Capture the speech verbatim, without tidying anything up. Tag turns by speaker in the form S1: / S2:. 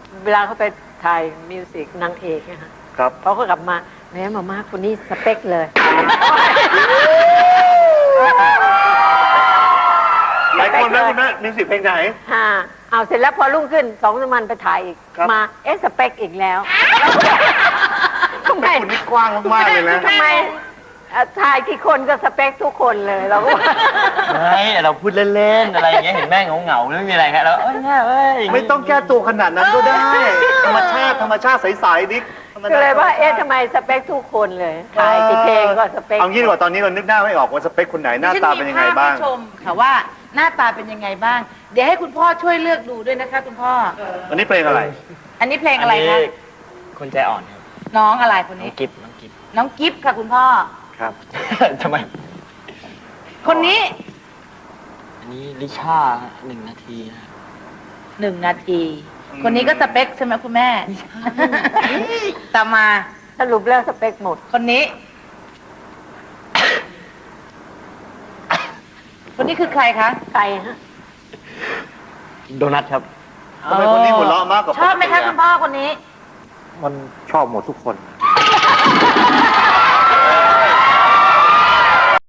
S1: เวลาเขาไปถ่ายมิวสิกนางเอกนะคะ
S2: ครับ
S1: เขาก็กลับมาแม่มาม่าคนนี้สเปคเลย
S2: หลายคนนะคุณแม่มิวสิกเพลงไหน
S1: ฮะเอาเสร็จแล้วพอรุ่งขึ้นสองสามวันไปถ่ายอีกมาเอ๊ะสเปคอีกแล้วทำไม
S2: คุณนี่กว้างมากๆเลยนะ
S1: ทำไมถ่ายกี่คนก็สเปคทุกคนเลยเราก็
S3: ไม่เราพูดเล่นๆอะไรอย่างเงี้ยเห็นแม่เหงาๆไม่มีอะไรครับแล้วเอ้ยแม่เอ้ย
S2: ไม่ต้องแก้ตัวขนาดนั้นก็ได้ธรรมชาติธรรมชาติใสๆดิ
S1: ก็เลยว่าเอ๊ะทำไมสเปคทุกคนเลยถ่ายกี่เพลงก็สเปค
S2: เอางี้ดีกว่าตอนนี้เรานึกหน้าไม่ออกว่าสเปคคนไหนหน้าตาเป็นยังไงบ้าง
S4: ชมค่ะว่าหน้าตาเป็นยังไงบ้างเดี๋ยวให้คุณพ่อช่วยเลือกดูด้วยนะคะคุณพ่อ
S2: อันนี้เพลงอะไร
S4: อันนี้เพลงอะไรคะ
S3: คนใจอ่อนครับ
S4: น้องอะไรคนนี้
S3: น้องกิฟน้องกิฟ
S4: น้องกิฟค่ะคุณพ่อ
S2: ครับ
S3: ทำไม
S4: คนนี้
S3: อันนี้ลิชาหนึ่งนาทีนะ
S4: หนึ่งนาทีคนนี้ก็สเปคใช่ไหมคุณแม่ตามมา
S1: สรุปแล้วสเปคหมด
S4: คนนี้คนนี้คือใครคะ
S1: ใครฮะ
S3: โดนัทครับ
S2: ทำไมคนนี้หัวเราะมากกว่า
S4: ชอบไหมคะคุณพ่อคนนี้
S2: มันชอบหมดทุกคน